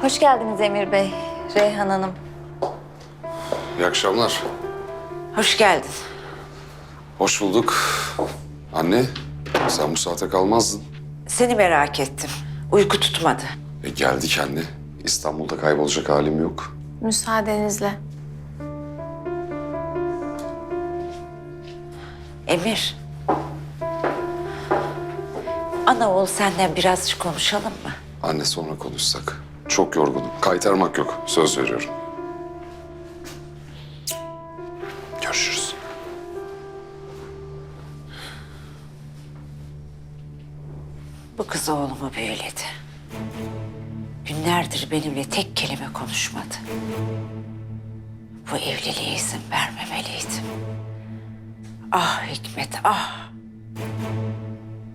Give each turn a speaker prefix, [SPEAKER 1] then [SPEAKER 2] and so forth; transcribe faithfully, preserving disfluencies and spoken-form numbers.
[SPEAKER 1] Hoş geldiniz Emir Bey, Reyhan Hanım.
[SPEAKER 2] İyi akşamlar.
[SPEAKER 3] Hoş geldin.
[SPEAKER 2] Hoş bulduk. Anne, sen bu saate kalmazdın.
[SPEAKER 3] Seni merak ettim. Uyku tutmadı.
[SPEAKER 2] E geldik anne. İstanbul'da kaybolacak halim yok.
[SPEAKER 1] Müsaadenizle.
[SPEAKER 3] Emir. Ana oğul senden birazcık konuşalım mı?
[SPEAKER 2] Anne sonra konuşsak. Çok yorgunum. Kaytarmak yok. Söz veriyorum. Görüşürüz.
[SPEAKER 3] Bu kız oğlumu büyüledi. Günlerdir benimle tek kelime konuşmadı. Bu evliliğe izin vermemeliydim. Ah Hikmet, ah!